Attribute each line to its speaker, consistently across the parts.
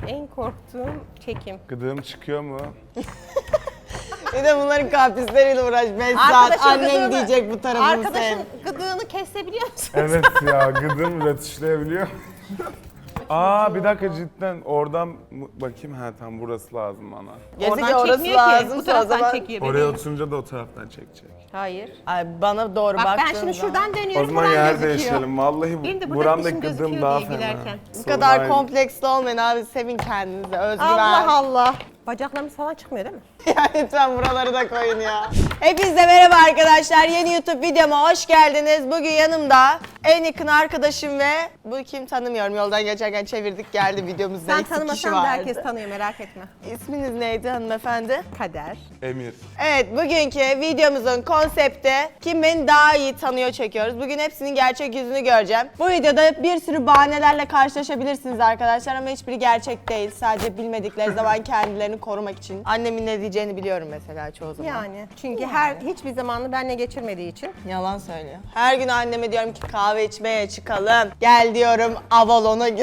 Speaker 1: En korktuğum çekim.
Speaker 2: Gıdığım çıkıyor mu?
Speaker 3: Bir de bunların kaprisleriyle uğraş. 5 saat
Speaker 1: Arkadaşın
Speaker 3: annem
Speaker 1: gıdığını-
Speaker 3: diyecek bu tarafını
Speaker 1: Arkadaşın
Speaker 3: sev.
Speaker 1: gıdığını kesebiliyor musun?
Speaker 2: Evet ya, gıdığım iletişleyebiliyor. Aa bir dakika, cidden oradan bakayım, ha tam burası lazım bana.
Speaker 3: Gerisi ki
Speaker 1: Oradan
Speaker 3: orası
Speaker 1: çekmiyor ki. Bu
Speaker 3: lazımsa o
Speaker 1: taraftan
Speaker 3: zaman.
Speaker 1: çekiyor
Speaker 2: Oraya
Speaker 1: bebeğim.
Speaker 2: oturunca da o taraftan çekecek.
Speaker 1: Hayır.
Speaker 3: Ay bana doğru
Speaker 1: Bak
Speaker 3: baktığın
Speaker 1: ben şimdi
Speaker 3: zaman.
Speaker 1: şuradan dönüyorum.
Speaker 2: O zaman
Speaker 1: buradan
Speaker 2: yer
Speaker 1: gözüküyor.
Speaker 2: değişelim. Vallahi
Speaker 1: Benim de burada
Speaker 2: buramdaki
Speaker 1: dişim
Speaker 2: gıdığım
Speaker 1: gözüküyor
Speaker 2: daha
Speaker 1: diye
Speaker 2: fena.
Speaker 1: gülerken.
Speaker 3: Bu kadar kompleksli olmayın abi. Sevin kendinizi. Özgüven.
Speaker 1: Allah Allah. Bacaklarımız falan çıkmıyor değil mi?
Speaker 3: Ya lütfen buraları da koyun ya. Hepinize merhaba arkadaşlar. Yeni YouTube videoma hoş geldiniz. Bugün yanımda en yakın arkadaşım ve bu kim tanımıyorum. Yoldan geçerken çevirdik geldi videomuzda.
Speaker 1: Sen
Speaker 3: eksik kişi
Speaker 1: tanımasan da
Speaker 3: vardı.
Speaker 1: herkes tanıyor, merak etme.
Speaker 3: İsminiz neydi hanımefendi?
Speaker 1: Kader.
Speaker 2: Emir.
Speaker 3: Evet, bugünkü videomuzun konsepti kim beni daha iyi tanıyor çekiyoruz. Bugün hepsinin gerçek yüzünü göreceğim. Bu videoda bir sürü bahanelerle karşılaşabilirsiniz arkadaşlar ama hiçbiri gerçek değil. Sadece bilmedikleri zaman kendilerini korumak için. Annemin ne diyeceğini biliyorum mesela çoğu zaman.
Speaker 1: Yani çünkü hiçbir zamanını benle geçirmediği için.
Speaker 3: Yalan söylüyor. Her gün anneme diyorum ki kahve içmeye çıkalım. Gel diyorum Avalon'a gel.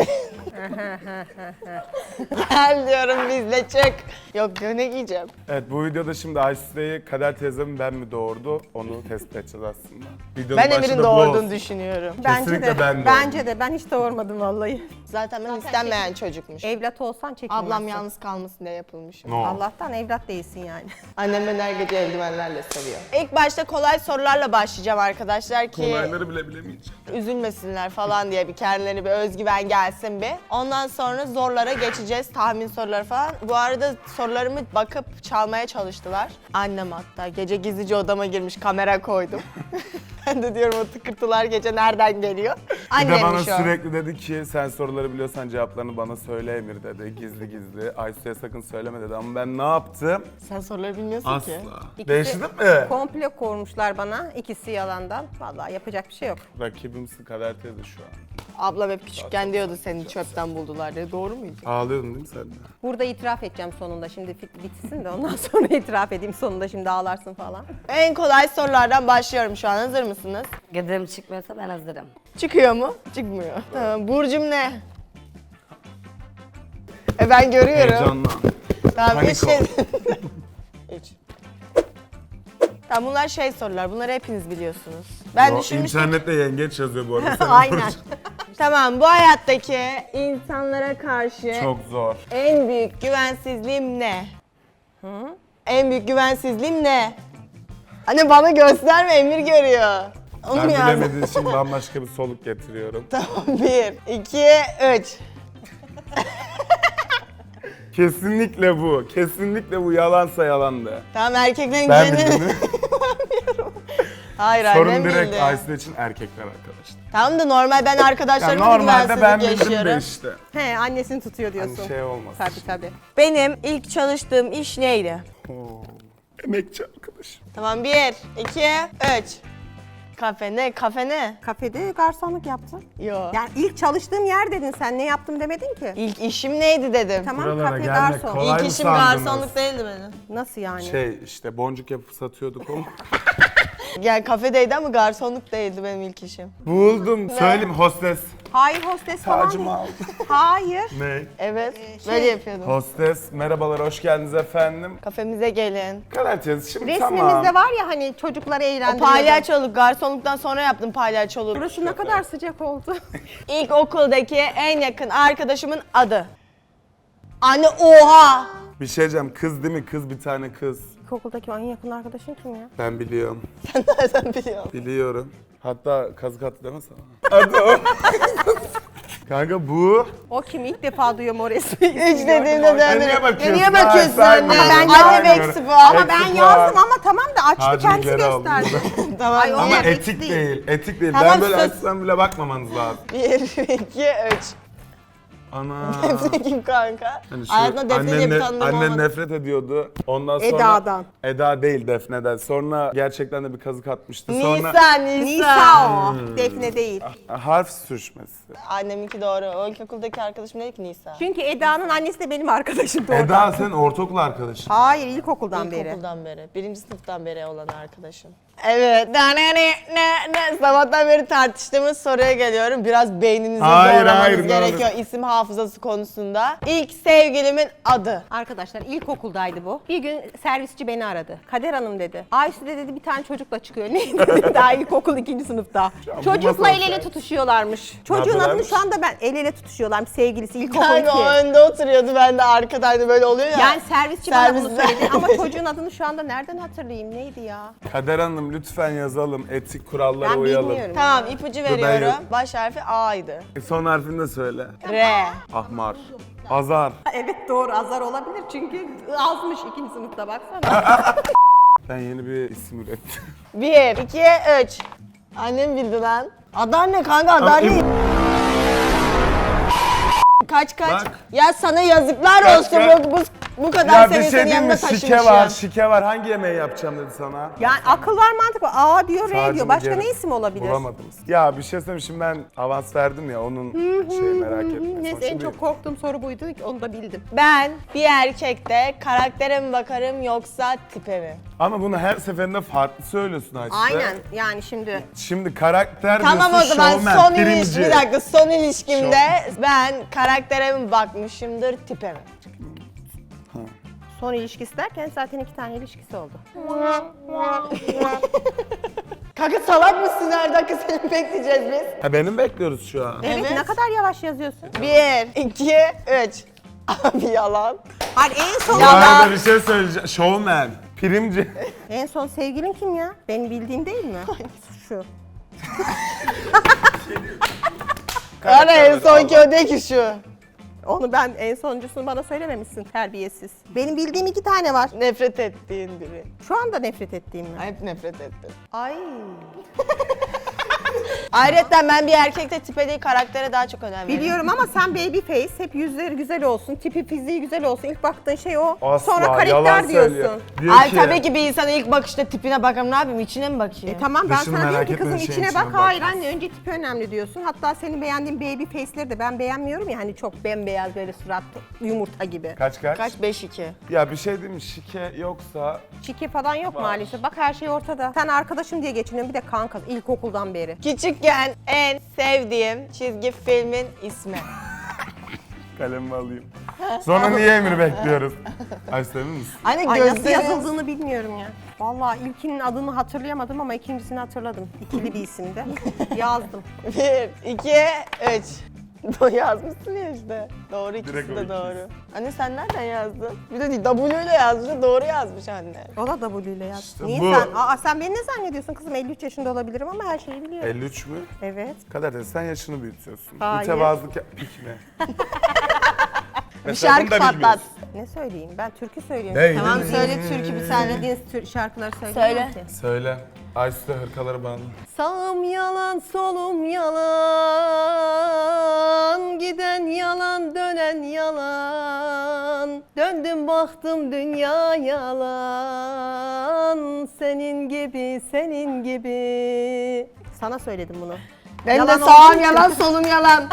Speaker 3: Gel diyorum bizle çık. Yok diyor ne giyeceğim?
Speaker 2: Evet, bu videoda şimdi Aysu'yu Kader teyzem ben mi doğurdu onu tespit edeceğiz aslında. Videonun
Speaker 3: Ben
Speaker 2: başı
Speaker 3: Emir'in
Speaker 2: da bu
Speaker 3: doğurduğunu
Speaker 2: olsun.
Speaker 3: düşünüyorum.
Speaker 2: Kesinlikle ben de
Speaker 1: Bence de. Ben hiç doğurmadım vallahi.
Speaker 3: Zaten ben istenmeyen çocukmuş.
Speaker 1: Evlat olsan çekilmezsin.
Speaker 3: Ablam yalnız kalmasın diye yapılmışım.
Speaker 2: No.
Speaker 1: Allah'tan evlat değilsin yani.
Speaker 3: Annem beni her gece eldivenlerle seviyor. İlk başta kolay sorularla başlayacağım arkadaşlar ki
Speaker 2: Kolayları bile bilemeyeceğim.
Speaker 3: üzülmesinler falan diye bir kendilerine bir özgüven gelsin bir. Ondan sonra zorlara geçeceğiz, tahmin soruları falan. Bu arada sorularımı bakıp çalmaya çalıştılar. Annem hatta gece gizlice odama girmiş, kamera koydum. Ben de diyorum o tıkırtılar gece nereden geliyor?
Speaker 2: Bir de
Speaker 3: Annemmiş
Speaker 2: bana
Speaker 3: o.
Speaker 2: sürekli dedi ki sen soruları biliyorsan cevaplarını bana söyle Emir dedi. Gizli gizli. Aysu'ya sakın söyleme dedi ama ben ne yaptım?
Speaker 3: Sen soruları bilmiyorsun
Speaker 2: Asla.
Speaker 3: ki.
Speaker 2: Değiştirdin mi?
Speaker 1: Komple kormuşlar bana. İkisi yalandan. Vallahi yapacak bir şey yok.
Speaker 2: Rakibimsin Kader teyze şu an.
Speaker 3: Ablam hep küçükken diyordu seni çöpten buldular diye. Doğru muydu?
Speaker 2: Ağlıyordun değil mi sen de?
Speaker 1: Burada itiraf edeceğim sonunda. Şimdi bitsin de ondan sonra itiraf edeyim sonunda, şimdi ağlarsın falan.
Speaker 3: En kolay sorulardan başlıyorum şu an. Hazır mısınız?
Speaker 4: Gıdığım çıkmıyorsa ben hazırım.
Speaker 3: Çıkıyor mu? Çıkmıyor. Tamam. Burcum ne? Ben görüyorum.
Speaker 2: Heyecanla.
Speaker 3: Tamam,
Speaker 2: Panik
Speaker 3: üç
Speaker 2: ol.
Speaker 3: Üç. Tamam, bunlar şey sorular. Bunları hepiniz biliyorsunuz. Ben
Speaker 2: Yo,
Speaker 3: düşünmüştüm.
Speaker 2: İnternette yengeç yazıyor bu arada. Senin
Speaker 1: Aynen.
Speaker 2: burcun.
Speaker 3: Tamam, bu hayattaki insanlara karşı
Speaker 2: Çok zor.
Speaker 3: en büyük güvensizliğim ne? En büyük güvensizliğim ne? Anne bana gösterme, Emir görüyor. Onu
Speaker 2: Ben
Speaker 3: mu yazdın?
Speaker 2: bilemediğim için bambaşka bir soluk getiriyorum.
Speaker 3: Tamam, 1, 2, 3.
Speaker 2: Kesinlikle bu. Kesinlikle bu yalansa yalandı.
Speaker 3: Tamam, erkeklerin
Speaker 2: Ben
Speaker 3: güveni...
Speaker 2: bildim.
Speaker 3: Hayır,
Speaker 2: Sorun
Speaker 3: annem
Speaker 2: direkt
Speaker 3: bildi.
Speaker 2: Aysu için erkekler arkadaşlar.
Speaker 3: Tamam da normal ben
Speaker 2: Ya
Speaker 3: arkadaşlarımla da
Speaker 2: normalde ben
Speaker 3: güvensizlik
Speaker 2: bildim de
Speaker 3: yaşıyorum.
Speaker 2: işte.
Speaker 1: He, annesini tutuyor diyorsun.
Speaker 2: Hani şey olmaz.
Speaker 1: Tabii tabii.
Speaker 3: Benim ilk çalıştığım iş neydi?
Speaker 2: Oo. Emekçi arkadaş.
Speaker 3: Tamam, 1, 2, 3. Kafe ne? Kafe ne?
Speaker 1: Kafede garsonluk yaptın.
Speaker 3: Yo.
Speaker 1: Yani ilk çalıştığım yer dedin sen, ne yaptım demedin ki.
Speaker 3: İlk işim neydi dedim.
Speaker 1: Tamam,
Speaker 2: Buralara
Speaker 1: kafe
Speaker 2: gelmek
Speaker 1: garson.
Speaker 2: kolay.
Speaker 3: İlk
Speaker 2: mı
Speaker 3: işim
Speaker 2: sandınız?
Speaker 3: garsonluk değildi benim.
Speaker 1: Nasıl yani?
Speaker 2: Şey işte boncuk yapıp satıyorduk ama.
Speaker 3: Yani kafedeydi ama garsonluk değildi benim ilk işim.
Speaker 2: Buldum. Söyleyeyim hostes.
Speaker 1: Hayır, hostes falan
Speaker 2: Tacımı
Speaker 1: değil.
Speaker 2: aldım.
Speaker 1: Hayır.
Speaker 2: Ne?
Speaker 3: Evet, böyle yapıyordum.
Speaker 2: Hostes. Merhabalar, hoş geldiniz efendim.
Speaker 3: Kafemize gelin.
Speaker 2: Kader teyze şimdi
Speaker 1: Resmimizde
Speaker 2: tamam.
Speaker 1: var ya hani çocukları
Speaker 3: O
Speaker 1: eğlendiriyordum.
Speaker 3: palyaçoluk, garsonluktan sonra yaptım palyaçoluğu.
Speaker 1: Burası ne kadar sıcak oldu.
Speaker 3: İlk okuldaki en yakın arkadaşımın adı. Anne oha!
Speaker 2: Bir şey diyeceğim, kız değil mi? Kız, bir tane kız.
Speaker 1: İlkokuldaki en yakın arkadaşın kim ya?
Speaker 2: Ben biliyorum.
Speaker 3: Sen nereden biliyorsun?
Speaker 2: Biliyorum. Hatta kazık attı deme sana. Adı o. Kanka bu.
Speaker 1: O kim? İlk defa duyuyorum o resmi.
Speaker 3: Üç dediğimde
Speaker 2: Ya
Speaker 3: döndüm.
Speaker 2: niye bakıyorsun?
Speaker 3: Niye bakıyorsun
Speaker 2: Hayır,
Speaker 3: anne?
Speaker 2: saymıyorum,
Speaker 3: Annem
Speaker 2: saymıyorum.
Speaker 3: eksi puan.
Speaker 1: Ama ben
Speaker 2: Eksi
Speaker 1: yazdım
Speaker 2: puan.
Speaker 1: ama tamam da açtı,
Speaker 2: Tacını
Speaker 1: kendisi
Speaker 2: geri aldım.
Speaker 1: gösterdi.
Speaker 3: Tamam.
Speaker 1: Ay, o
Speaker 2: Ama
Speaker 1: eksi
Speaker 2: etik değil. Etik değil.
Speaker 3: Tamam,
Speaker 2: Ben böyle
Speaker 3: sus.
Speaker 2: açsam bile bakmamanız lazım.
Speaker 3: 1, 2, 3.
Speaker 2: Ana.
Speaker 3: Defne kim kanka?
Speaker 2: Hani şu
Speaker 3: Hayatımda Defne diye bir tanıdığım
Speaker 2: annen
Speaker 3: olmadı.
Speaker 2: nefret ediyordu. Ondan sonra
Speaker 1: Eda'dan.
Speaker 2: Eda değil, Defne'den. Sonra gerçekten de bir kazık atmıştı. Sonra
Speaker 3: Nisa.
Speaker 1: Nisa o. Defne değil.
Speaker 2: harf sürüşmesi.
Speaker 3: Anneminki doğru. O ilkokuldaki arkadaşım dedi ki Nisa.
Speaker 1: Çünkü Eda'nın annesi de benim arkadaşım doğru.
Speaker 2: Eda sen ortaokul arkadaşın.
Speaker 1: Hayır, ilkokuldan beri.
Speaker 3: İlkokuldan beri. 1. sınıftan beri olan arkadaşım. Evet. Sabahtan beri tartıştığımız soruya geliyorum. Biraz beyninizi
Speaker 2: Hayır,
Speaker 3: zorlamanız
Speaker 2: hayır, ne
Speaker 3: gerekiyor
Speaker 2: olur.
Speaker 3: isim hafızası konusunda. İlk sevgilimin adı.
Speaker 1: Arkadaşlar ilkokuldaydı bu. Bir gün servisçi beni aradı. Kader Hanım dedi. Ayşe de dedi bir tane çocukla çıkıyor. Neydi dedi daha ilkokul 2. sınıfta.
Speaker 2: bu
Speaker 1: Çocukla
Speaker 2: masal
Speaker 1: el ele
Speaker 2: sen.
Speaker 1: tutuşuyorlarmış. Çocuğun adını
Speaker 2: yapıyorlarmış?
Speaker 1: şu anda ben el ele tutuşuyorlarmış sevgilisi ilkokul 2.
Speaker 3: Yani o önde oturuyordu, ben de arkadaydı, böyle oluyor ya.
Speaker 1: Yani servisçi bana bunu
Speaker 3: Servisler.
Speaker 1: söyledi ama çocuğun adını şu anda nereden hatırlayayım? Neydi ya?
Speaker 2: Kader Hanım lütfen yazalım. Etik kurallara
Speaker 1: Ben
Speaker 2: uyalım.
Speaker 1: bilmiyorum.
Speaker 3: Tamam, ipucu
Speaker 2: ben
Speaker 3: veriyorum.
Speaker 2: yok.
Speaker 3: Baş harfi A'ydı.
Speaker 2: Son harfini de söyle.
Speaker 3: R.
Speaker 2: Ahmar. Azar.
Speaker 1: Evet doğru azar olabilir çünkü azmış 2. sınıfta baksana.
Speaker 2: Ben yeni bir isim ürettim.
Speaker 3: 1, 2, 3. Annem bildi lan. Adar ne kanka, Adar değil. Kaç.
Speaker 2: Bak.
Speaker 3: Ya sana yazıklar
Speaker 2: Kaç,
Speaker 3: olsun.
Speaker 2: kaç.
Speaker 3: Bu kadar
Speaker 2: Ya
Speaker 3: seni
Speaker 2: bir şey
Speaker 3: senin
Speaker 2: diyeyim
Speaker 3: yanında
Speaker 2: mi?
Speaker 3: taşımış
Speaker 2: Şike var,
Speaker 3: ya.
Speaker 2: şike var. Hangi yemeği yapacağım dedi sana?
Speaker 1: Yani akıl var mantık var. A diyor R
Speaker 2: Sadece
Speaker 1: diyor. Başka
Speaker 2: geri-
Speaker 1: ne isim olabilir?
Speaker 2: Bulamadınız. Ya bir şey söyleyeyim, şimdi ben avans verdim ya, onun merak etme.
Speaker 1: Neyse en
Speaker 2: Şimdi
Speaker 1: çok korktuğum soru buydu. Onu da bildim.
Speaker 3: Ben bir erkekte karaktere mi bakarım yoksa tipe mi?
Speaker 2: Ama bunu her seferinde farklı söylüyorsun Ayşe.
Speaker 1: Aynen yani şimdi.
Speaker 2: Şimdi karakter
Speaker 3: Tamam o
Speaker 2: diyorsun,
Speaker 3: zaman
Speaker 2: şovmen,
Speaker 3: son
Speaker 2: birinci.
Speaker 3: ilişki, bir dakika, son ilişkimde ben karaktere mi bakmışımdır, tipe mi?
Speaker 1: Son ilişkisi derken zaten 2 tane ilişkisi oldu.
Speaker 3: Kanka salak mısın, her dakika seni bekleyeceğiz biz.
Speaker 2: Ha, benim bekliyoruz şu an.
Speaker 1: Evet,
Speaker 3: Evet.
Speaker 1: ne kadar yavaş yazıyorsun.
Speaker 3: 1, 2, 3. Abi yalan.
Speaker 1: Hayır en son
Speaker 2: Bu arada bir şey söyleyeceğim. Şovmen, primci.
Speaker 1: en son sevgilin kim ya? Benim bildiğim değil mi? Şu.
Speaker 3: Ara en sonki o değil ki şu.
Speaker 1: Onu ben en sonuncusunu bana söylememişsin terbiyesiz. Benim bildiğim 2 tane var.
Speaker 3: Nefret ettiğin biri.
Speaker 1: Şu anda nefret ettiğim mi?
Speaker 3: Hep nefret ettin.
Speaker 1: Ay.
Speaker 3: Ayrıca ben bir erkekte tipe değil karaktere daha çok önem veriyorum.
Speaker 1: Biliyorum ama sen baby face, hep yüzleri güzel olsun, tipi fiziği güzel olsun. İlk baktığın şey o.
Speaker 2: Asla,
Speaker 1: Sonra
Speaker 2: yalan
Speaker 1: karakter diyorsun.
Speaker 2: söylüyor. Diyor
Speaker 3: Ay
Speaker 2: ki,
Speaker 3: tabii ki bir insana ilk bakışta tipine bakarım, ne yapayım, içine mi bakayım?
Speaker 1: Tamam ben
Speaker 2: Dışını
Speaker 1: sana diyorum
Speaker 2: merak
Speaker 1: ki
Speaker 2: etme,
Speaker 1: kızım
Speaker 2: şeyin
Speaker 1: içine
Speaker 2: içine
Speaker 1: bak.
Speaker 2: bak.
Speaker 1: Hayır anne önce tipi önemli diyorsun. Hatta senin beğendiğin baby face'leri de ben beğenmiyorum ya hani çok bembeyaz böyle surat yumurta gibi.
Speaker 2: Kaç?
Speaker 3: Kaç? 5-2.
Speaker 2: Ya bir şey diyeyim mi? Şike yoksa
Speaker 1: Çiki falan yok maalesef. Bak her şey ortada. Sen arkadaşım diye geçiniyorsun bir de kanka ilkokuldan beri.
Speaker 3: Küçükken en sevdiğim çizgi filmin ismi.
Speaker 2: kalemimi alayım. Sonra niye emir bekliyoruz? Ayşe emin misin?
Speaker 3: Hani
Speaker 1: Ay nasıl
Speaker 3: gözleri...
Speaker 1: yazıldığını bilmiyorum ya. Vallahi ilkinin adını hatırlayamadım ama ikincisini hatırladım. İkili bir isimdi. Yazdım.
Speaker 3: 1, 2, 3. Yazmışsın ya işte. Doğru, ikisi
Speaker 2: Direkt o
Speaker 3: de
Speaker 2: ikisi.
Speaker 3: doğru. Anne sen nereden yazdın? Bir de W ile yazmış, doğru yazmış anne.
Speaker 1: O da W ile yazdı.
Speaker 2: İşte
Speaker 1: Niye
Speaker 2: bu.
Speaker 1: sen beni ne zannediyorsun kızım? 53 yaşında olabilirim ama her şeyi biliyorum.
Speaker 2: 53 mü?
Speaker 1: Evet.
Speaker 2: Kader de sen yaşını büyütüyorsun.
Speaker 1: Hayır.
Speaker 2: Mütevazılık yapmak mi?
Speaker 3: Bir şarkı patlat.
Speaker 1: Ne söyleyeyim? Ben türkü söylüyorum.
Speaker 2: Değil.
Speaker 3: Tamam söyle türkü bir tane.
Speaker 1: Söylediğiniz şarkıları
Speaker 3: Söyle.
Speaker 1: söyleyeyim ki.
Speaker 2: Söyle. Ayşe hırkaları bana.
Speaker 1: Sağım yalan, solum yalan, giden yalan, dönen yalan. Döndüm baktım dünya yalan, senin gibi, senin gibi. Sana söyledim bunu.
Speaker 3: Ben
Speaker 1: Yalan
Speaker 3: de sağım
Speaker 1: olduğu
Speaker 3: yalan, solum yalan.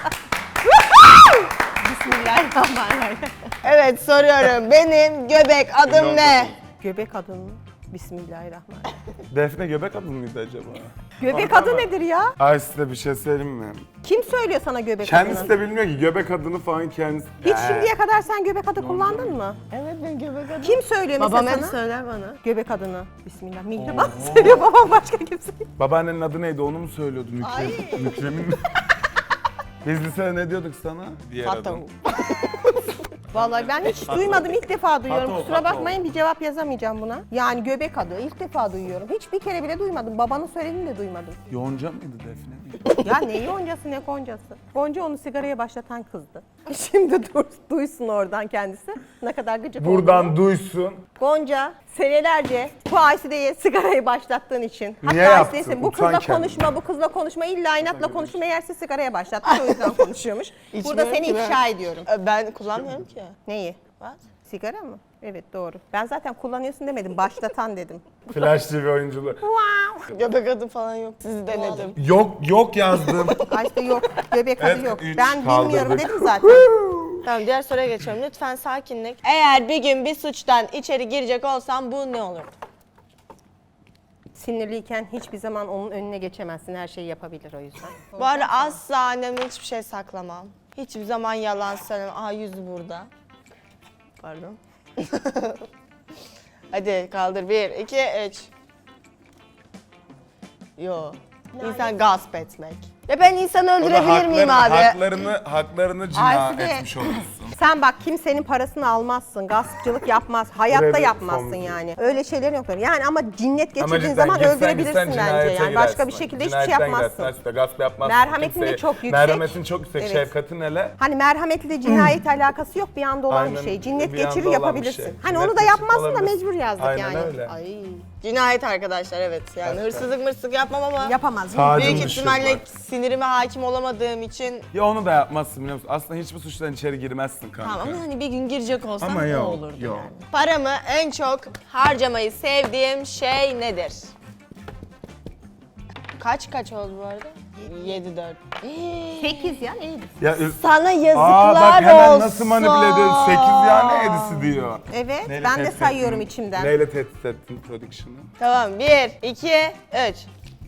Speaker 1: Bismillahirrahmanirrahim.
Speaker 3: Evet soruyorum. Benim göbek adım ne?
Speaker 1: Göbek adı mı? Bismillahirrahmanirrahim.
Speaker 2: Defne göbek adı mıydı acaba?
Speaker 1: Göbek
Speaker 2: Orada
Speaker 1: adı
Speaker 2: mı?
Speaker 1: nedir ya?
Speaker 2: Ayşe de bir şey söyleyeyim mi?
Speaker 1: Kim söylüyor sana göbek
Speaker 2: Kendisi
Speaker 1: adını?
Speaker 2: de bilmiyor ki göbek adını falan kendisi.
Speaker 1: Hiç şimdiye kadar sen göbek adı kullandın mı?
Speaker 3: Evet ben göbek adım.
Speaker 1: Kim söylüyor mesela
Speaker 3: Babam hep
Speaker 1: sana?
Speaker 3: söyler bana.
Speaker 1: Göbek adını. Bismillah. Mihriban söylüyor babam başka kimse.
Speaker 2: Babaannenin adı neydi onu mu söylüyordu Mükrem? Mükrem'in mi? Biz lisede ne diyorduk sana? Diğer
Speaker 3: Hatta
Speaker 2: adım.
Speaker 1: Vallahi ben hiç duymadım. İlk defa duyuyorum.
Speaker 2: Pato,
Speaker 1: Kusura
Speaker 2: pato.
Speaker 1: bakmayın bir cevap yazamayacağım buna. Yani göbek adı. İlk defa duyuyorum. Hiçbir kere bile duymadım. Babanın söylediğini de duymadım.
Speaker 2: Yonca mıydı Defne?
Speaker 1: Ya ne yoncası ne goncası. Gonca onu sigaraya başlatan kızdı. Şimdi duysun oradan kendisi. Ne kadar gıcık
Speaker 2: Buradan
Speaker 1: olduğunu.
Speaker 2: duysun.
Speaker 1: Gonca senelerce bu Ayside'ye sigarayı başlattığın için.
Speaker 2: Niye
Speaker 1: Hatta
Speaker 2: yaptın?
Speaker 1: Ayside'sin, bu
Speaker 2: Utan
Speaker 1: kızla
Speaker 2: kendini.
Speaker 1: konuşma, bu kızla konuşma, illa inatla konuşma meğerse sigaraya başlattı. O yüzden konuşuyormuş. Burada
Speaker 3: İçmiyorum
Speaker 1: seni
Speaker 3: ki ben.
Speaker 1: ifşa ediyorum.
Speaker 3: Ben kullanmıyorum ki.
Speaker 1: Neyi?
Speaker 3: What?
Speaker 1: Sigara mı? Evet doğru. Ben zaten kullanıyorsun demedim, başlatan dedim.
Speaker 2: Flash TV oyunculuğu.
Speaker 3: Göbek adım falan yok. Sizi denedim.
Speaker 2: Yok yazdım.
Speaker 1: Ayşe yok, göbek adı
Speaker 2: Evet,
Speaker 1: yok.
Speaker 2: 3
Speaker 1: Ben bilmiyorum
Speaker 2: kaldırdık.
Speaker 1: dedim zaten.
Speaker 3: Tamam diğer soruya geçiyorum. Lütfen sakinlik. Eğer bir gün bir suçtan içeri girecek olsam bu ne olurdu?
Speaker 1: Sinirliyken hiçbir zaman onun önüne geçemezsin. Her şeyi yapabilir o yüzden.
Speaker 3: Bu arada asla annemden hiçbir şey saklamam. Hiçbir zaman yalan söylemem. Aa yüzü burada. Pardon. Hadi kaldır. 1, 2, 3. Yo. İnsan gasp etmek. Ya ben insanı
Speaker 2: O da
Speaker 3: öldürebilir miyim abi?
Speaker 2: Haklarını cina
Speaker 1: Aysu de-
Speaker 2: etmiş olursun.
Speaker 1: Sen bak kimsenin parasını almazsın, gaspçılık yapmaz, hayatta
Speaker 2: Buraya bir
Speaker 1: yapmazsın
Speaker 2: komik.
Speaker 1: yani. Öyle şeyler yok. Yani ama cinnet
Speaker 2: Ama
Speaker 1: geçirdiğin
Speaker 2: cidden
Speaker 1: zaman
Speaker 2: gitsen
Speaker 1: öldürebilirsin
Speaker 2: gitsen
Speaker 1: bence
Speaker 2: cinayete
Speaker 1: yani. Başka bir
Speaker 2: girersin.
Speaker 1: şekilde hiçbir şey
Speaker 2: Cinayetten
Speaker 1: yapmazsın.
Speaker 2: girersin, işte gasp yapmazsın.
Speaker 1: Merhametin de
Speaker 2: kimseye.
Speaker 1: çok yüksek.
Speaker 2: Merhametin çok yüksek,
Speaker 1: Evet.
Speaker 2: şefkatin hele.
Speaker 1: Hani merhametle cinayet alakası yok, bir anda olan
Speaker 2: Aynen,
Speaker 1: bir şey. Cinnet
Speaker 2: bir anda
Speaker 1: geçirir
Speaker 2: olan bir
Speaker 1: yapabilirsin.
Speaker 2: şey.
Speaker 1: Hani
Speaker 2: Cinnet
Speaker 1: onu da
Speaker 2: geçirip
Speaker 1: yapmazsın da
Speaker 2: olabilirsin.
Speaker 1: mecbur yazdık
Speaker 2: Aynen
Speaker 1: yani.
Speaker 2: öyle.
Speaker 1: Ay.
Speaker 3: Cinayet arkadaşlar evet. Yani
Speaker 2: Gerçekten.
Speaker 3: hırsızlık mırsızlık yapmam ama
Speaker 1: Yapamaz.
Speaker 2: Tacın
Speaker 3: büyük
Speaker 2: dışı
Speaker 3: ihtimalle
Speaker 2: bak.
Speaker 3: sinirime hakim olamadığım için
Speaker 2: Ya onu da yapmazsın biliyor musun? Aslında hiçbir suçtan içeri girmezsin kanka.
Speaker 3: tamam ama hani bir gün girecek olsam
Speaker 2: Ama
Speaker 3: ne
Speaker 2: yok,
Speaker 3: olurdu
Speaker 2: yok.
Speaker 3: yani. Paramı en çok harcamayı sevdiğim şey nedir? Kaç oldu bu arada? 7-4.
Speaker 1: 8 ya neydi?
Speaker 2: Ya,
Speaker 3: Sana
Speaker 2: Aa
Speaker 3: yazıklar
Speaker 2: bak hemen
Speaker 3: olsun.
Speaker 2: nasıl manipüle ediyorsun? 8 ya ne 7'si diyor.
Speaker 1: Evet,
Speaker 2: Neyle
Speaker 1: ben de
Speaker 2: tehdit
Speaker 1: sayıyorum
Speaker 2: ettin?
Speaker 1: içimden.
Speaker 2: Neyle tehdit ettin production'ı?
Speaker 3: Tamam 1, 2, 3.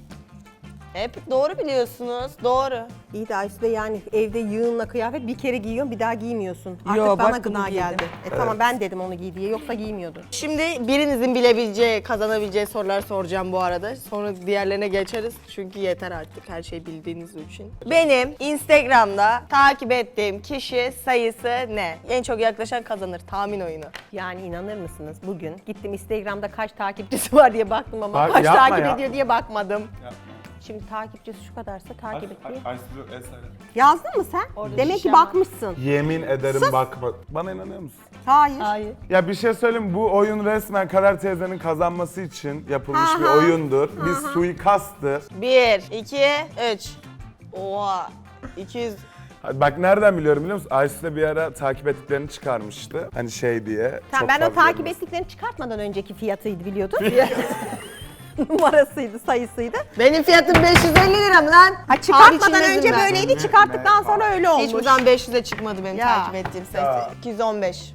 Speaker 3: Hep doğru biliyorsunuz. Doğru.
Speaker 1: İyi de Aysu da yani evde yığınla kıyafet bir kere giyiyorsun bir daha giymiyorsun. Artık
Speaker 3: Yo,
Speaker 1: bana
Speaker 3: bak bu
Speaker 1: gına
Speaker 3: giydim.
Speaker 1: geldi. Tamam ben dedim onu giy diye yoksa giymiyordun.
Speaker 3: Şimdi birinizin bilebileceği, kazanabileceği sorular soracağım bu arada. Sonra diğerlerine geçeriz. Çünkü yeter artık her şey bildiğiniz için. Benim Instagram'da takip ettiğim kişi sayısı ne? En çok yaklaşan kazanır. Tahmin oyunu.
Speaker 1: Yani inanır mısınız bugün gittim Instagram'da kaç takipçisi var diye baktım ama
Speaker 2: Bak,
Speaker 1: kaç
Speaker 2: yapma
Speaker 1: takip
Speaker 2: ya.
Speaker 1: ediyor diye bakmadım.
Speaker 2: Yapma.
Speaker 1: Şimdi takipçisi şu kadarsa takip et diye.
Speaker 2: Aysu eser.
Speaker 1: Yazdın mı sen? Demek ki
Speaker 3: şişem var.
Speaker 1: bakmışsın.
Speaker 2: Yemin ederim bakma. Bana inanıyor musun?
Speaker 1: Hayır.
Speaker 3: Hayır.
Speaker 2: Ya bir şey söyleyeyim mi? Bu oyun resmen Kader teyzenin kazanması için yapılmış bir
Speaker 1: Aha.
Speaker 2: oyundur. Bir suikasttır.
Speaker 3: 1, 2, 3. Oha. 200.
Speaker 2: Bak nereden biliyorum biliyor musun? Aysu da bir ara takip ettiklerini çıkarmıştı. Hani şey diye.
Speaker 1: Tamam,
Speaker 2: çok
Speaker 1: ben o
Speaker 2: fazla
Speaker 1: takip
Speaker 2: görmez.
Speaker 1: ettiklerini çıkartmadan önceki fiyatıydı biliyordun. Numarasıydı, sayısıydı.
Speaker 3: Benim fiyatım 550 lira mı lan?
Speaker 1: Ha, çıkartmadan
Speaker 3: içindeyim
Speaker 1: önce
Speaker 3: ben.
Speaker 1: böyleydi, çıkarttıktan sonra öyle olmuş.
Speaker 3: Hiçbir zaman 500'e çıkmadı benim
Speaker 1: Ya.
Speaker 3: takip ettiğim sayı.
Speaker 2: Ya.
Speaker 3: 215.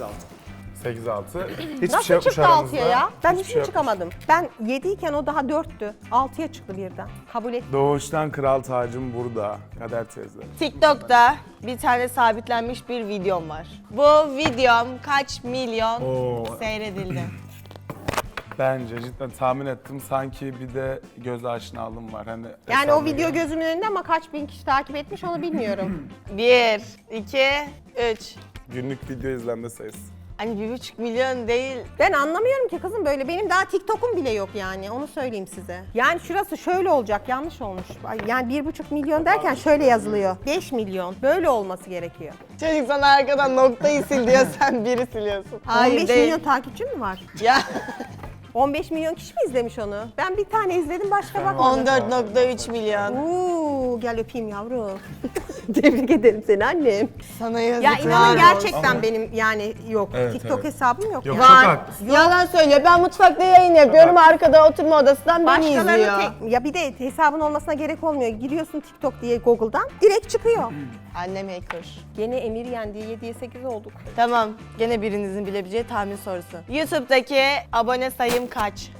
Speaker 2: 8-6. Hiçbir
Speaker 1: Nasıl
Speaker 2: şey yokmuş
Speaker 1: çıktı
Speaker 2: aramızda.
Speaker 1: 6'ya ya? Ben
Speaker 2: Hiçbir
Speaker 1: hiç
Speaker 2: şey yokmuş.
Speaker 1: çıkamadım. Ben 7 iken o daha 4'tü. 6'ya çıktı birden. Kabul et.
Speaker 2: Doğuştan kral tacım burada. Kader teyze.
Speaker 3: TikTok'ta bir tane sabitlenmiş bir videom var. Bu videom kaç milyon
Speaker 2: Oo.
Speaker 3: seyredildi?
Speaker 2: Bence cidden tahmin ettim. Sanki bir de göz aşinalığım var. Hani
Speaker 1: Yani o
Speaker 2: efendim
Speaker 1: video
Speaker 2: ya.
Speaker 1: gözümün önünde ama kaç bin kişi takip etmiş onu bilmiyorum.
Speaker 3: 1, 2, 3.
Speaker 2: Günlük video izlenme sayısı.
Speaker 3: Hani 1,5 milyon değil.
Speaker 1: Ben anlamıyorum ki kızım böyle. Benim daha TikTok'um bile yok yani. Onu söyleyeyim size. Yani şurası şöyle olacak. Yanlış olmuş. Yani 1,5 milyon derken şöyle yazılıyor. 5 milyon. Böyle olması gerekiyor.
Speaker 3: Çocuk sana arkadan noktayı sil diyor, sen biri siliyorsun.
Speaker 1: 15 milyon takipçi mi var?
Speaker 3: Ya
Speaker 1: 15 milyon kişi mi izlemiş onu? Ben bir tane izledim başka bakmadım.
Speaker 3: 14,3 milyon.
Speaker 1: Uuu gel öpeyim yavrum. Tebrik ederim seni annem.
Speaker 3: Sana
Speaker 1: Ya
Speaker 3: yazıklar
Speaker 1: inanın gerçekten
Speaker 2: Ama-
Speaker 1: benim yani yok.
Speaker 2: Evet,
Speaker 1: TikTok
Speaker 2: evet.
Speaker 1: hesabım yok.
Speaker 2: Yok,
Speaker 1: yani.
Speaker 2: çok
Speaker 3: Var.
Speaker 2: haklısın.
Speaker 3: Yalan söylüyor. Ben mutfakta yayın yapıyorum. Arkada oturma odasından beni izliyor.
Speaker 1: Başkalarının ya bir de hesabın olmasına gerek olmuyor. Giriyorsun TikTok diye Google'dan direkt çıkıyor.
Speaker 3: Annem hacker.
Speaker 1: Gene Emir yendi 7'ye 8 olduk.
Speaker 3: Tamam. Gene birinizin bilebileceği tahmin sorusu. YouTube'daki abone sayım kaç?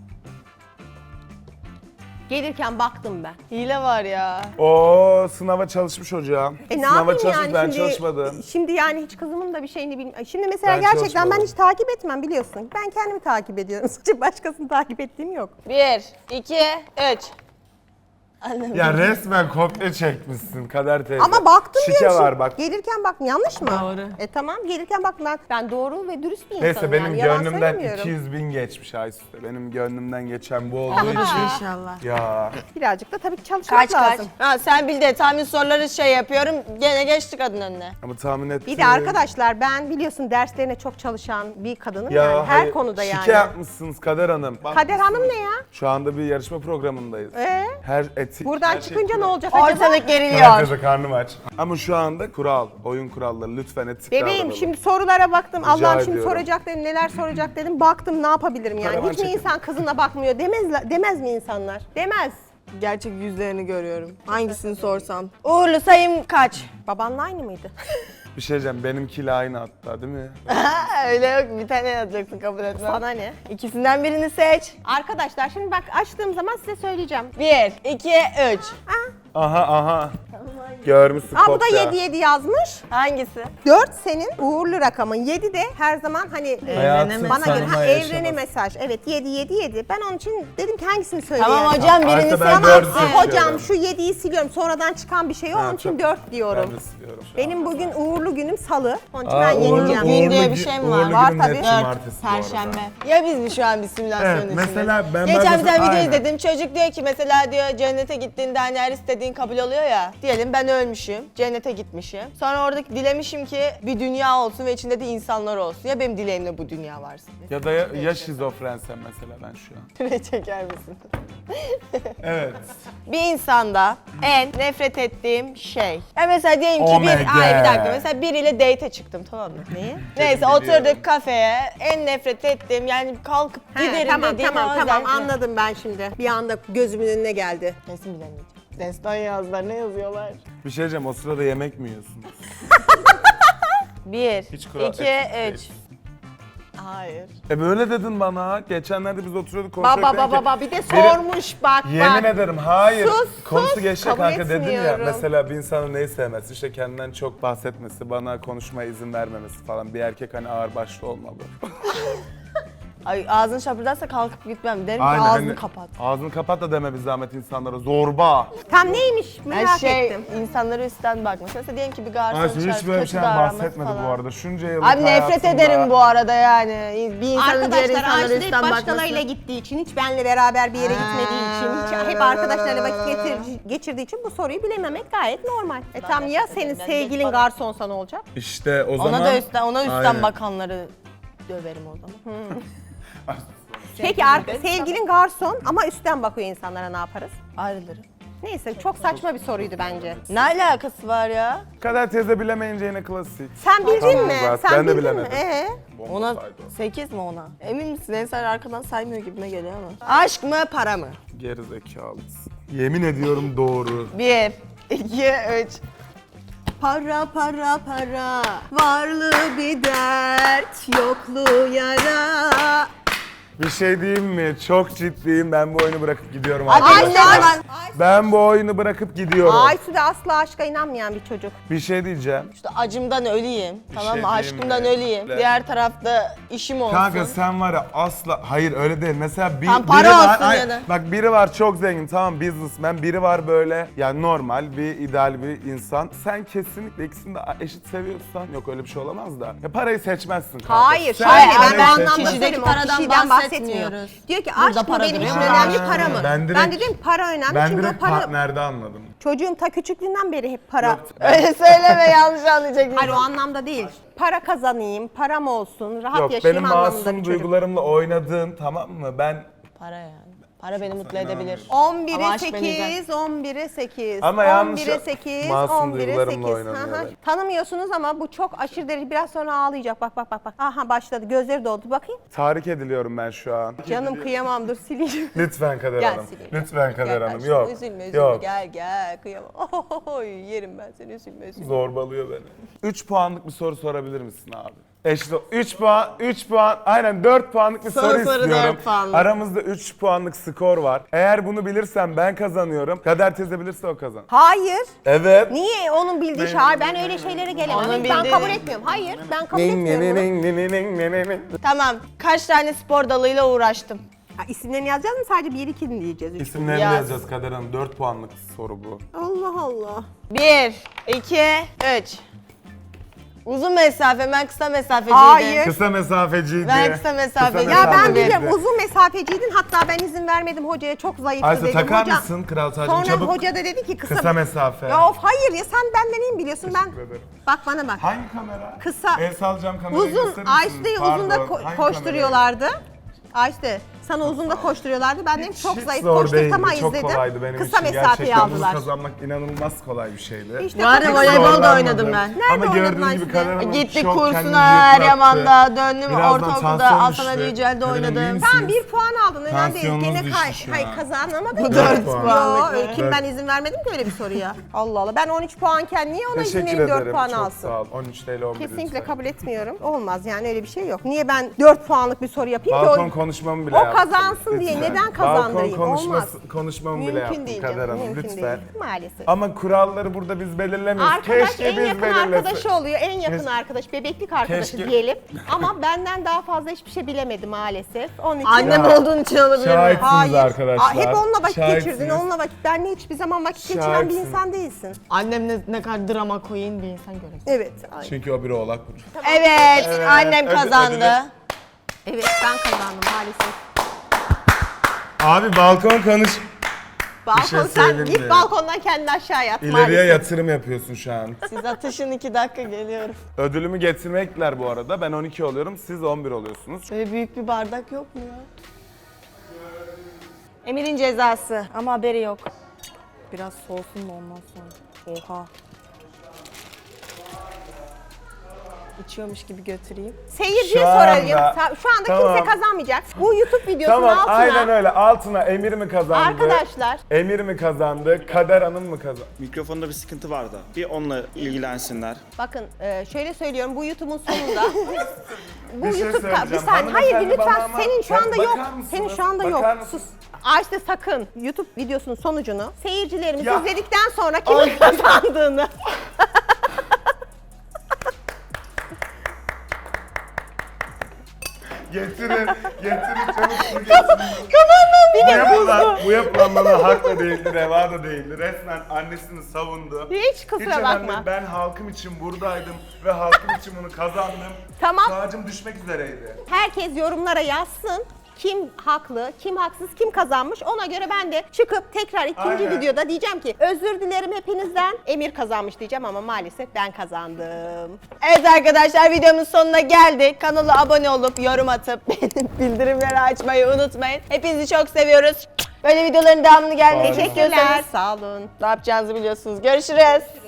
Speaker 1: Gelirken baktım ben.
Speaker 3: Hile var ya.
Speaker 2: Oo sınava çalışmış hocam.
Speaker 1: Ne
Speaker 2: Sınava
Speaker 1: yapayım
Speaker 2: çalışmış,
Speaker 1: yani
Speaker 2: ben
Speaker 1: şimdi?
Speaker 2: çalışmadım.
Speaker 1: Şimdi yani hiç kızımın da bir şeyini bilmiyorum. Şimdi mesela
Speaker 2: Ben
Speaker 1: gerçekten ben
Speaker 2: çalışmadım.
Speaker 1: hiç takip etmem biliyorsun. Ben kendimi takip ediyorum. Sadece başkasını takip ettiğim yok.
Speaker 3: 1, 2, 3. Annem.
Speaker 2: Ya resmen kopya çekmişsin Kader teyze.
Speaker 1: Ama baktım
Speaker 2: Şike
Speaker 1: diyorum.
Speaker 2: var bak.
Speaker 1: Gelirken baktım yanlış mı?
Speaker 3: Doğru.
Speaker 1: Tamam gelirken baktım ben doğru ve dürüst bir insanım.
Speaker 2: Neyse benim
Speaker 1: yani, yalan
Speaker 2: gönlümden
Speaker 1: söylemiyorum.
Speaker 2: 200 bin geçmiş Aysu. Benim gönlümden geçen bu olduğu için.
Speaker 3: İnşallah.
Speaker 2: Ya
Speaker 1: Birazcık da tabii ki çalışmak
Speaker 3: Kaç
Speaker 1: lazım.
Speaker 3: Ha, sen bil de tahmin soruları şey yapıyorum. Gene geçti kadın önüne.
Speaker 2: ama tahmin ettim.
Speaker 1: Bir de arkadaşlar ben biliyorsun derslerine çok çalışan bir kadınım
Speaker 2: Ya
Speaker 1: yani her
Speaker 2: hayır,
Speaker 1: konuda yani.
Speaker 2: Şike yapmışsınız Kader Hanım. Bak,
Speaker 1: Kader Hanım ne ya?
Speaker 2: şu anda bir yarışma programındayız.
Speaker 1: Buradan
Speaker 2: her şey
Speaker 1: çıkınca ne
Speaker 2: kural.
Speaker 1: olacak acaba?
Speaker 3: Ortalık
Speaker 2: Kader
Speaker 3: geriliyor.
Speaker 2: teyze karnım aç. Ama şu anda kural, oyun kuralları lütfen etik
Speaker 1: Bebeğim
Speaker 2: davranalım.
Speaker 1: şimdi sorulara baktım.
Speaker 2: Rica
Speaker 1: Allah'ım şimdi
Speaker 2: ediyorum.
Speaker 1: soracak dedim, neler soracak dedim. Baktım ne yapabilirim yani.
Speaker 2: Karavan
Speaker 1: Hiç mi
Speaker 2: çekin.
Speaker 1: insan kızına bakmıyor demez mi insanlar? Demez.
Speaker 3: Gerçek yüzlerini görüyorum. Hangisini sorsam. Uğurlu sayım kaç?
Speaker 1: Babanla aynı mıydı?
Speaker 2: Bir şey diyeceğim, benimkiyle aynı hatta değil mi?
Speaker 3: Öyle yok, bir tane yazacaksın, kabul etmem.
Speaker 1: Sana ne?
Speaker 3: İkisinden birini seç.
Speaker 1: Arkadaşlar şimdi bak açtığım zaman size söyleyeceğim.
Speaker 3: 1, 2, 3.
Speaker 2: Aha. Görmüşsün
Speaker 1: Aa bu da
Speaker 2: kopya.
Speaker 1: 7 yazmış.
Speaker 3: Hangisi?
Speaker 1: 4 senin uğurlu rakamın. 7 de her zaman hani
Speaker 2: Hayatın
Speaker 1: bana göre
Speaker 2: tanımaya
Speaker 1: evrene
Speaker 2: yaşaması.
Speaker 1: mesaj. Evet 7. Ben onun için dedim ki hangisini söyleyeyim?
Speaker 3: Tamam hocam, birini
Speaker 2: Ayşe,
Speaker 3: seç.
Speaker 2: ben
Speaker 1: Tamam
Speaker 2: dördü seçiyorum.
Speaker 1: hocam şu 7'yi siliyorum. Sonradan çıkan bir şey o. Onun için 4 diyorum.
Speaker 2: Ben de siliyorum şu an.
Speaker 1: Benim bugün uğurlu günüm salı. Onun için
Speaker 2: Aa,
Speaker 1: ben
Speaker 2: uğurlu
Speaker 1: yeneceğim.
Speaker 3: gün diye bir şey mi var?
Speaker 2: uğurlu
Speaker 1: Var
Speaker 2: günüm
Speaker 1: tabii.
Speaker 2: net
Speaker 1: Dört,
Speaker 2: cumartesi bu arada.
Speaker 3: Perşembe. Ya biz mi şu an bir simülasyon
Speaker 2: Evet,
Speaker 3: içindeyiz?
Speaker 2: mesela ben
Speaker 3: Geçen bir tane video
Speaker 2: aynen.
Speaker 3: izledim. Çocuk diyor ki mesela diyor cennete gittiğinde hani her istediğin kabul oluyor ya. Diyelim ben ölmüşüm, cennete gitmişim. Sonra oradaki dilemişim ki bir dünya olsun ve içinde de insanlar olsun. Ya benim dileğimde bu dünya varsın.
Speaker 2: Ya da ya şizofrensem mesela ben şu an.
Speaker 3: Ne çeker misin?
Speaker 2: Evet.
Speaker 3: Bir insanda en nefret ettiğim şey. Ya mesela diyelim ki
Speaker 2: Oh my
Speaker 3: bir dakika,
Speaker 2: God.
Speaker 3: mesela biriyle date'e çıktım, tamam mı?
Speaker 1: Neyi?
Speaker 3: Neyse
Speaker 2: biliyorum.
Speaker 3: oturduk kafeye, en nefret ettiğim yani kalkıp giderim
Speaker 1: Tamam
Speaker 3: dediğim
Speaker 1: tamam
Speaker 3: özellikle-
Speaker 1: anladım ben şimdi. Bir anda gözümün önüne geldi.
Speaker 3: Kesin bilemeyeceğim. Destan yazdılar, ne yazıyorlar?
Speaker 2: Bir şey diyeceğim, o sırada yemek mi yiyorsunuz?
Speaker 3: 1,
Speaker 2: Hiç kural-
Speaker 3: 2,
Speaker 2: et-
Speaker 3: 3. Hayır.
Speaker 2: Böyle dedin bana. Geçenlerde biz oturuyorduk konuşuyorduk.
Speaker 1: Baba
Speaker 2: dedim ki,
Speaker 1: baba bir de
Speaker 2: biri-
Speaker 1: sormuş bak
Speaker 2: Yemin
Speaker 1: bak.
Speaker 2: ederim hayır.
Speaker 1: Sus,
Speaker 2: Konusu
Speaker 1: sus,
Speaker 2: geçecek
Speaker 1: kabul
Speaker 2: kanka dedim ya.
Speaker 1: etmiyorum.
Speaker 2: Mesela bir insanın neyi sevmesi, işte kendinden çok bahsetmesi, bana konuşmaya izin vermemesi falan. Bir erkek hani ağırbaşlı olmalı.
Speaker 3: Ay ağzını şapırdarsa kalkıp gitmem. Derim ki
Speaker 2: Aynen,
Speaker 3: ağzını
Speaker 2: hani
Speaker 3: kapat.
Speaker 2: Ağzını kapat da deme bir zahmet insanlara. Zorba.
Speaker 1: Tam neymiş merak
Speaker 3: Her şey
Speaker 1: ettim.
Speaker 3: insanlara üstten bakması. Mesela diyelim ki bir garson
Speaker 2: Ayşe hiç
Speaker 3: çağırıp
Speaker 2: böyle bir
Speaker 3: kötü
Speaker 2: şeyden
Speaker 3: davranması
Speaker 2: bahsetmedi
Speaker 3: falan.
Speaker 2: bu arada. Şunca yıllık
Speaker 3: Abi nefret
Speaker 2: hayatımda-
Speaker 3: ederim bu arada yani. Bir insanın diğer
Speaker 1: Arkadaşlar
Speaker 3: insanlara
Speaker 1: Ayşe hep
Speaker 3: üstten
Speaker 1: başkalarıyla
Speaker 3: bakması.
Speaker 1: gittiği için, hiç benle beraber bir yere gitmediği için, hiç hep arkadaşlarıyla vakit geçirdiği için bu soruyu bilememek gayet normal. Tam ya senin sevgilin garsonsa ne olacak?
Speaker 2: İşte o zaman...
Speaker 3: Ona üstten
Speaker 2: Aynen.
Speaker 3: bakanları döverim o zaman.
Speaker 1: Peki sevgilin garson ama üstten bakıyor insanlara ne yaparız?
Speaker 3: Ayrılırım.
Speaker 1: Neyse çok saçma bir soruydu bence.
Speaker 3: Ne alakası var ya?
Speaker 2: Kader teyze bilemeyince yine klasik.
Speaker 1: Sen bildin
Speaker 2: Tamam
Speaker 1: mi?
Speaker 2: zaten,
Speaker 1: Sen
Speaker 2: ben de
Speaker 1: bildin mi?
Speaker 2: bilemedim.
Speaker 3: Ona
Speaker 2: Bomba saydı o.
Speaker 3: 8 mi ona? Emin misin? Ensar arkadan saymıyor gibime geliyor ama. Aşk mı para mı?
Speaker 2: Geri zekalısın. Yemin ediyorum doğru.
Speaker 3: 1, 2, 3.
Speaker 1: Para para para, varlığı bir dert, yokluğu yara.
Speaker 2: Bir şey diyeyim mi? Çok ciddiyim. Ben bu oyunu bırakıp gidiyorum.
Speaker 3: Hadi
Speaker 2: arkadaşlar.
Speaker 3: ne zaman?
Speaker 2: Ben bu oyunu bırakıp gidiyorum.
Speaker 1: Aysu da asla aşka inanmayan bir çocuk.
Speaker 2: Bir şey diyeceğim.
Speaker 3: İşte acımdan öleyim. Tamam mı?
Speaker 2: şey diyeyim
Speaker 3: Aşkımdan
Speaker 2: mi?
Speaker 3: öleyim.
Speaker 2: Ben-
Speaker 3: Diğer tarafta işim olsun.
Speaker 2: Kanka sen var ya asla... Hayır öyle değil. Mesela
Speaker 3: Tam
Speaker 2: biri
Speaker 3: para
Speaker 2: var...
Speaker 3: olsun ya da.
Speaker 2: Bak biri var çok zengin tamam businessman. Biri var böyle yani normal bir ideal bir insan. Sen kesinlikle ikisini de eşit seviyorsan yok öyle bir şey olamaz da. Ya parayı seçmezsin kanka.
Speaker 1: Hayır,
Speaker 2: Sen
Speaker 1: şöyle
Speaker 2: parayı
Speaker 1: ben bu anlamda
Speaker 2: seçmezsin.
Speaker 3: Kişideki
Speaker 1: söylüyorum. O
Speaker 3: paradan
Speaker 1: kişiden
Speaker 3: bahsetmiyoruz.
Speaker 1: bahsetmiyor. Diyor ki
Speaker 3: Burada
Speaker 1: aşk mı
Speaker 3: para
Speaker 1: benim için
Speaker 3: duruyor.
Speaker 1: önemli,
Speaker 2: Ha,
Speaker 1: para mı?
Speaker 2: ben
Speaker 1: Ben,
Speaker 2: direkt-
Speaker 1: dedim para önemli
Speaker 2: Ben
Speaker 1: çünkü o
Speaker 2: direkt
Speaker 1: para...
Speaker 2: partnerde anladım.
Speaker 1: Çocuğum ta küçüklüğünden beri hep para.
Speaker 2: Yok,
Speaker 3: Öyle söyleme, yanlış anlayacak.
Speaker 1: Hayır o anlamda değil. Para kazanayım, param olsun, rahat
Speaker 2: Yok
Speaker 1: yaşayayım
Speaker 2: benim
Speaker 1: anlamında bir
Speaker 2: masum
Speaker 1: çocuk.
Speaker 2: duygularımla oynadığın tamam mı? Ben
Speaker 3: Para yani. Para beni mutlu edebilir.
Speaker 1: 11'e
Speaker 3: Ama aşk beni
Speaker 1: 8, 11'e 8.
Speaker 2: Ama yanlış
Speaker 1: 11'e 8,
Speaker 2: masum
Speaker 1: 11'e
Speaker 2: duygularımla
Speaker 1: 8.
Speaker 2: oynanıyor
Speaker 1: Hı hı.
Speaker 2: benim.
Speaker 1: Tanımıyorsunuz ama bu çok aşırı derece biraz sonra ağlayacak. Bak bak bak bak. Aha başladı. Gözleri doldu. Bakayım.
Speaker 2: tahrik ediliyorum ben şu an.
Speaker 1: Canım kıyamam dur sileyim.
Speaker 2: Lütfen Kader
Speaker 1: Gel
Speaker 2: Hanım.
Speaker 1: sileyim.
Speaker 2: Lütfen Kader
Speaker 1: Gel
Speaker 2: Hanım.
Speaker 1: karşıma,
Speaker 2: Yok.
Speaker 1: Üzülme üzülme
Speaker 2: Yok.
Speaker 1: gel kıyamam. Oy yerim ben seni üzülme.
Speaker 2: Zorbalıyor beni. 3 puanlık bir soru sorabilir misin abi? İşte 3 puan, aynen 4 puanlık bir soru
Speaker 3: soru
Speaker 2: istiyorum.
Speaker 3: 4 puanlık.
Speaker 2: Aramızda 3 puanlık skor var. Eğer bunu bilirsem ben kazanıyorum. Kader teyze bilirse o kazan.
Speaker 1: Hayır.
Speaker 2: Evet.
Speaker 1: Niye onun bildiği şey? Hayır ben öyle şeylere gelemem.
Speaker 3: Onun
Speaker 1: Ben
Speaker 3: bildiği-
Speaker 1: kabul etmiyorum. Hayır ben kabul etmiyorum. bunu.
Speaker 3: Tamam. Kaç tane spor dalıyla uğraştım?
Speaker 1: Ha, isimlerini yazacağız mı sadece 1 2 mi diyeceğiz? Üç.
Speaker 2: İsimlerini
Speaker 3: Yaz.
Speaker 2: yazacağız Kader Hanım. 4 puanlık soru bu.
Speaker 1: Allah Allah.
Speaker 3: 1, 2, 3. Uzun mesafe, ben kısa mesafeciydim.
Speaker 1: Hayır.
Speaker 2: Kısa mesafeciydi.
Speaker 3: Ben kısa mesafeciydim.
Speaker 1: Ya ben
Speaker 2: mesafeciydi.
Speaker 1: biliyorum uzun mesafeciydin hatta ben izin vermedim hocaya çok zayıftı
Speaker 2: Ayşe
Speaker 1: dedim.
Speaker 2: takar
Speaker 1: Hoca-
Speaker 2: mısın kral tacını
Speaker 1: Sonra
Speaker 2: çabuk?
Speaker 1: hoca da dedi ki
Speaker 2: Kısa mesafe.
Speaker 1: Ya of hayır ya sen benden iyi mi biliyorsun ben.
Speaker 2: Teşekkür ederim.
Speaker 1: Bak bana bak.
Speaker 2: Hangi kamera?
Speaker 1: Kısa.
Speaker 2: El salacağım kamerayı
Speaker 1: Uzun
Speaker 2: gösterir misin?
Speaker 1: Ayşe'yi uzun da
Speaker 2: Pardon, hangi
Speaker 1: koşturuyorlardı. Ayşe Sana uzun da koşturuyorlardı. Ben dedim çok
Speaker 2: Hiç
Speaker 1: zayıf
Speaker 2: zor
Speaker 1: koşturtama
Speaker 2: değildi, çok
Speaker 1: izledim.
Speaker 2: kolaydı benim
Speaker 1: Kısa
Speaker 2: için.
Speaker 1: mesafeyi
Speaker 2: Gerçekten bunu
Speaker 1: aldılar.
Speaker 2: kazanmak inanılmaz kolay bir şeydi.
Speaker 1: İşte
Speaker 3: Bu arada
Speaker 1: çok-
Speaker 3: voleybol da
Speaker 2: Zorlanmadım.
Speaker 3: oynadım ben.
Speaker 2: Ama
Speaker 1: Nerede oynadın
Speaker 2: gördüğün gibi
Speaker 1: Ayşe?
Speaker 2: Kader Hanım
Speaker 3: Gittik
Speaker 2: çok kendini
Speaker 3: kursuna,
Speaker 2: yıprattı.
Speaker 3: Eryaman'da döndüm,
Speaker 2: Birazdan
Speaker 3: ortaokulda
Speaker 2: tansiyon
Speaker 3: Hasan
Speaker 2: düştü.
Speaker 3: Ali Yücel'de
Speaker 2: Kader Hanım, iyi
Speaker 3: oynadım.
Speaker 2: misiniz?
Speaker 1: Ben 1 puan aldın önemli değil.
Speaker 2: Tansiyonunuz
Speaker 1: Gene
Speaker 2: düştü şu
Speaker 1: hayır
Speaker 2: an.
Speaker 1: kazanamadım.
Speaker 3: Bu
Speaker 2: 4
Speaker 3: puan.
Speaker 2: puan.
Speaker 1: Yo, kim ben izin vermedim ki öyle bir soruya. Allah Allah. Ben 13 puanken niye ona izin
Speaker 2: Teşekkür
Speaker 1: vereyim 4
Speaker 2: ederim.
Speaker 1: puan
Speaker 2: Çok
Speaker 1: alsın?
Speaker 2: sağ ol. 13 TL 11
Speaker 1: Kesinlikle
Speaker 2: lütfen.
Speaker 1: kabul etmiyorum. Olmaz yani öyle bir şey yok. Niye ben 4 puanlık bir soru yapayım
Speaker 2: Balkon
Speaker 1: ki
Speaker 2: konuşmamı bile
Speaker 1: o
Speaker 2: yaptım.
Speaker 1: kazansın diye
Speaker 2: Lütfen.
Speaker 1: neden kazandırayım?
Speaker 2: Balkon
Speaker 1: Olmaz.
Speaker 2: konuşmamı bile
Speaker 1: Mümkün
Speaker 2: yaptım
Speaker 1: değil
Speaker 2: Kader
Speaker 1: canım.
Speaker 2: Hanım
Speaker 1: Mümkün
Speaker 2: lütfen.
Speaker 1: değil. Maalesef.
Speaker 2: Ama kuralları burada biz belirlemiyoruz.
Speaker 1: Arkadaş
Speaker 2: Keşke
Speaker 1: en
Speaker 2: biz
Speaker 1: yakın
Speaker 2: belirlesek.
Speaker 1: arkadaşı oluyor. En yakın
Speaker 2: Keşke-
Speaker 1: arkadaş, bebeklik arkadaşı
Speaker 2: Keşke-
Speaker 1: diyelim. Ama benden daha fazla hiçbir şey bilemedi maalesef. Onun için
Speaker 3: Annem
Speaker 2: Ya,
Speaker 3: olduğun için olabilir mi?
Speaker 2: şahitsiniz arkadaşlar.
Speaker 1: Hep onunla vakit
Speaker 2: Şahitsiniz.
Speaker 1: geçirdin. Onunla vakit. Benle hiçbir zaman vakit geçiren bir
Speaker 2: Şahitsiniz.
Speaker 1: insan değilsin.
Speaker 3: Annem ne kadar drama queen bir insan görüyor.
Speaker 1: Evet. Ay.
Speaker 2: Çünkü o bir oğlak burcu.
Speaker 3: Evet,
Speaker 2: Evet,
Speaker 3: annem
Speaker 2: ödül-
Speaker 3: kazandı.
Speaker 2: ödülü-
Speaker 1: Evet ben kazandım maalesef.
Speaker 2: Abi balkon konuş.
Speaker 1: Balkon
Speaker 2: şey
Speaker 1: sen
Speaker 2: söyleyeyim
Speaker 1: git
Speaker 2: mi?
Speaker 1: balkondan kendini aşağıya at
Speaker 2: İleriye
Speaker 1: maalesef.
Speaker 2: yatırım yapıyorsun şu an.
Speaker 3: Siz atışın 2 dakika geliyorum.
Speaker 2: Ödülümü getirmekler bu arada. Ben 12 oluyorum, siz 11 oluyorsunuz.
Speaker 3: Böyle büyük bir bardak yok mu ya? Emir'in cezası ama haberi yok. Biraz soğusun da ondan sonra. Oha. İçiyormuş gibi götüreyim.
Speaker 1: Seyirciye
Speaker 2: Şu
Speaker 1: sorayım.
Speaker 2: anda-
Speaker 1: Şu anda
Speaker 2: Tamam.
Speaker 1: kimse kazanmayacak. Bu YouTube videosunun
Speaker 2: Tamam,
Speaker 1: altına
Speaker 2: aynen öyle. Altına Emir mi kazandı?
Speaker 1: arkadaşlar
Speaker 2: Emir mi kazandı? Kader Hanım mı kazandı?
Speaker 5: Mikrofonda bir sıkıntı vardı. Bir onunla ilgilensinler.
Speaker 1: bakın şöyle söylüyorum bu YouTube'un sonunda bu
Speaker 2: Bir şey
Speaker 1: YouTube bir
Speaker 2: söyleyeceğim.
Speaker 1: saniye hayır
Speaker 2: Hanımefendi
Speaker 1: lütfen
Speaker 2: bana ama-
Speaker 1: senin şu anda
Speaker 2: Bakar
Speaker 1: yok.
Speaker 2: mısınız?
Speaker 1: Senin şu anda yok.
Speaker 2: Bakar mısınız?
Speaker 1: Sus. Ayşe sakın YouTube videosunun sonucunu seyircilerimiz
Speaker 2: Ya.
Speaker 1: izledikten sonra kimin kazandığını
Speaker 2: Getirin, çabuk su getirin. Bu yapılan bana hak da değildi, reva da değildi. Resmen annesini savundu.
Speaker 1: hiç kusura
Speaker 2: önemli
Speaker 1: bakma.
Speaker 2: değil. Ben halkım için buradaydım ve halkım için bunu kazandım.
Speaker 1: Tamam.
Speaker 2: Tacım düşmek üzereydi.
Speaker 1: Herkes yorumlara yazsın. Kim haklı, kim haksız, kim kazanmış ona göre ben de çıkıp tekrar ikinci
Speaker 2: Aynen.
Speaker 1: videoda diyeceğim ki özür dilerim hepinizden. Emir kazanmış diyeceğim ama maalesef ben kazandım.
Speaker 3: Evet arkadaşlar videomuz sonuna geldik. Kanala abone olup yorum atıp bildirimleri açmayı unutmayın. Hepinizi çok seviyoruz. Böyle videoların devamını gelmesini
Speaker 2: Sağ olun.
Speaker 3: istiyorsanız
Speaker 1: Sağ olun.
Speaker 3: ne yapacağınızı biliyorsunuz. Görüşürüz.